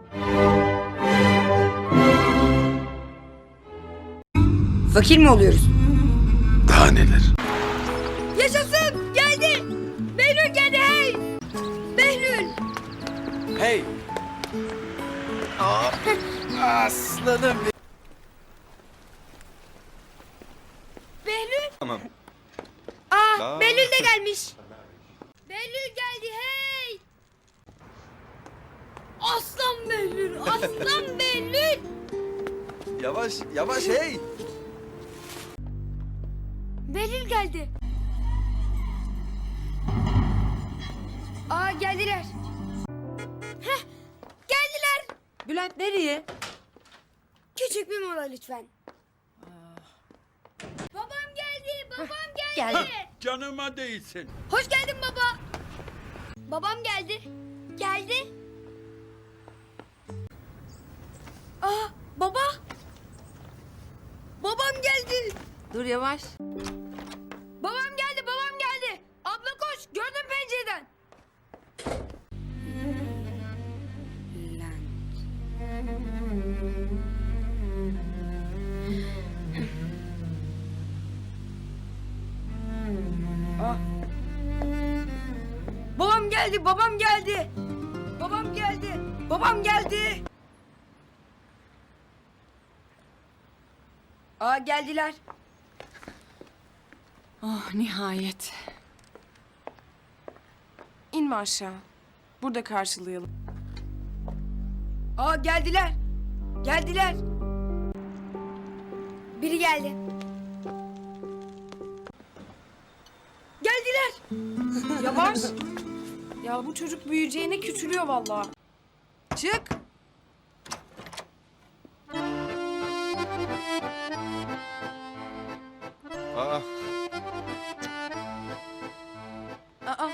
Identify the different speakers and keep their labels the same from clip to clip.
Speaker 1: Fakir mi oluyoruz?
Speaker 2: Daha neler?
Speaker 1: Yaşasın! Geldi! Behlül geldi hey! Behlül!
Speaker 2: Hey! Aa, aslanım.
Speaker 1: Behlül!
Speaker 2: Tamam.
Speaker 1: Behlül de gelmiş. Behlül geldi hey! Aslan Behlül! Aslan Behlül!
Speaker 2: Yavaş, yavaş hey!
Speaker 1: Behlül geldi. Geldiler. Heh, geldiler.
Speaker 3: Bülent nereye?
Speaker 1: Küçük bir mola lütfen. Babam geldi, babam geldi.
Speaker 3: Geldi.
Speaker 4: Canıma değsin.
Speaker 1: Hoş geldin baba. Babam geldi. Geldi. Baba. Babam geldi.
Speaker 3: Dur yavaş.
Speaker 1: Babam geldi, babam geldi. Abla koş, gördüm pencereden. Babam geldi, babam geldi. Babam geldi, babam geldi. Geldiler.
Speaker 3: Oh nihayet. İnme aşağı. Burada karşılayalım.
Speaker 1: Geldiler. Geldiler. Biri geldi. Geldiler.
Speaker 3: Yavaş. Ya bu çocuk büyüyeceğine küçülüyor vallahi. Çık.
Speaker 2: Aa,
Speaker 3: Aa,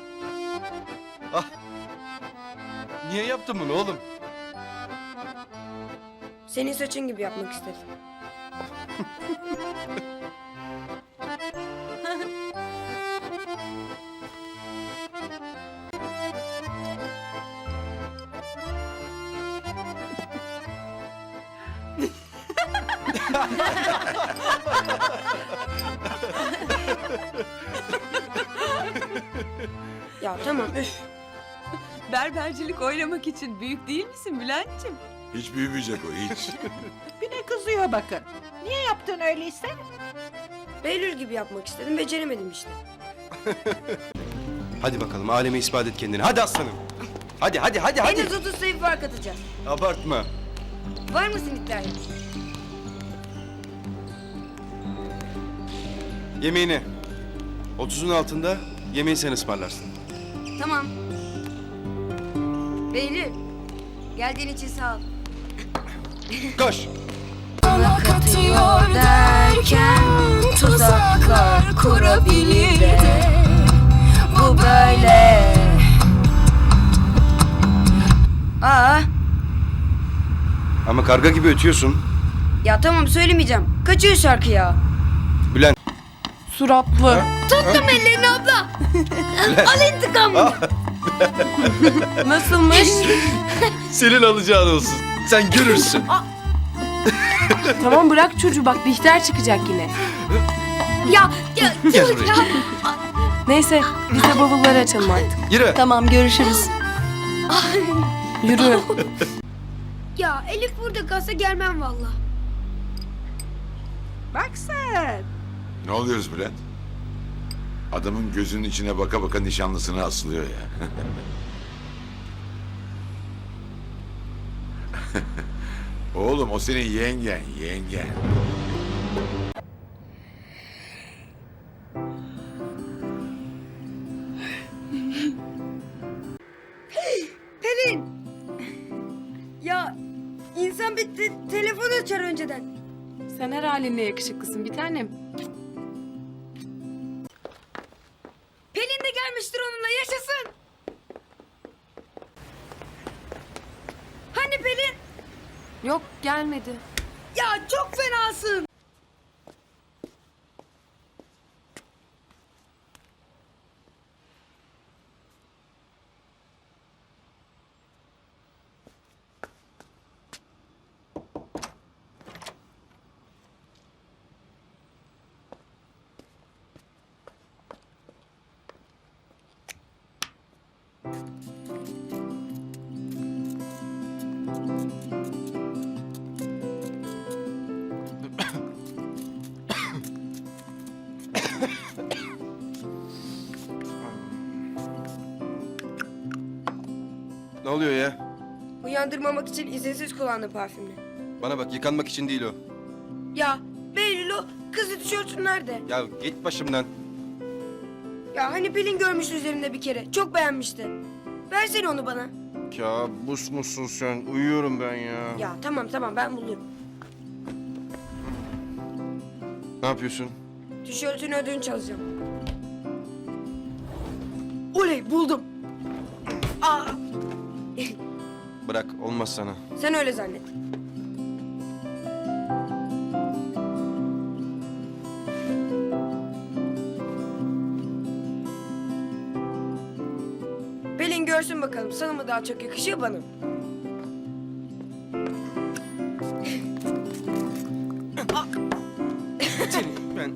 Speaker 2: niye yaptın bunu oğlum?
Speaker 1: Senin saçın gibi yapmak istedim. Ya tamam üf.
Speaker 3: berbercilik oynamak için büyük değil misin Bülent'ciğim?
Speaker 5: Hiç büyümeyecek o hiç.
Speaker 6: Bir de kızıyor bakın. Niye yaptın öyleyse?
Speaker 1: Behlül gibi yapmak istedim, beceremedim işte.
Speaker 2: Hadi bakalım aleme ispat et kendini. Hadi aslanım. Hadi hadi hadi hadi.
Speaker 1: En az 30 sayı fark atacağız.
Speaker 2: Abartma.
Speaker 1: Var mısın iddiaya?
Speaker 2: Yemeğini. 30'un altında yemeği sen ısmarlarsın.
Speaker 1: Tamam. Behlül, geldiğin için sağ ol.
Speaker 2: Koş.
Speaker 3: Katıyor derken tuzaklar kurabilir de bu böyle.
Speaker 2: Ama karga gibi ötüyorsun.
Speaker 1: Ya tamam söylemeyeceğim. Kaçıyor şarkı ya.
Speaker 2: Bülent.
Speaker 3: Suratlı.
Speaker 1: Tuttum ellerini abla. Al intikamını.
Speaker 3: Nasılmış?
Speaker 2: Senin alacağın olsun. Sen görürsün.
Speaker 3: Tamam bırak çocuğu bak Bihter çıkacak yine.
Speaker 1: Ya
Speaker 2: Gel buraya.
Speaker 3: Neyse biz de bavulları açalım artık.
Speaker 2: Yürü.
Speaker 3: Tamam görüşürüz. Yürü.
Speaker 1: Ya Elif burada kalsa gelmem valla.
Speaker 6: Bak sen.
Speaker 5: Ne oluyoruz Bülent? Adamın gözünün içine baka baka nişanlısına asılıyor ya. Oğlum o senin yengen, yengen.
Speaker 1: Pelin. Ya insan bir telefon açar önceden.
Speaker 3: Sen her halinle yakışıklısın bir tanem.
Speaker 1: Pelin de gelmiştir onunla yaşasın. Hani Pelin?
Speaker 3: Yok gelmedi.
Speaker 1: Ya çok fenasın.
Speaker 2: Ne oluyor ya?
Speaker 1: Uyandırmamak için izinsiz kullandım parfümünü.
Speaker 2: Bana bak, yıkanmak için değil o.
Speaker 1: Ya Behlül o kızı tişörtün nerede?
Speaker 2: Ya git başımdan.
Speaker 1: Ya hani Pelin görmüştü üzerinde bir kere. Çok beğenmişti. Versene onu bana.
Speaker 2: Kabus musun sen? Uyuyorum ben ya.
Speaker 1: Ya tamam ben bulurum.
Speaker 2: Ne yapıyorsun?
Speaker 1: Tişörtün ödünç çalacağım. Oley buldum. Aa,
Speaker 2: Bırak, olmaz sana.
Speaker 1: sen öyle zannet. Pelin görsün bakalım sana mı daha çok yakışıyor bana mı?
Speaker 2: Ben...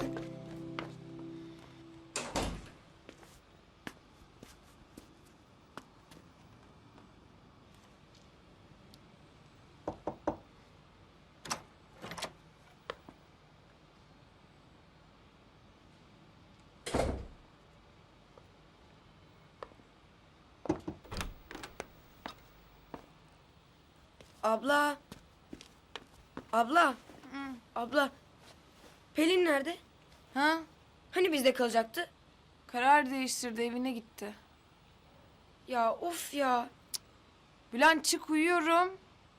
Speaker 1: Abla. Abla. Abla. Pelin nerede?
Speaker 3: Ha?
Speaker 1: Hani bizde kalacaktı?
Speaker 3: Karar değiştirdi, evine gitti.
Speaker 1: Ya of ya.
Speaker 3: Bülent çık, uyuyorum.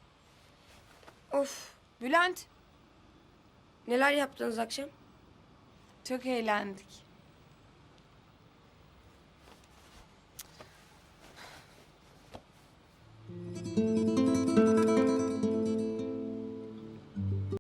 Speaker 1: Of.
Speaker 3: Bülent.
Speaker 1: Neler yaptınız akşam?
Speaker 3: Çok eğlendik.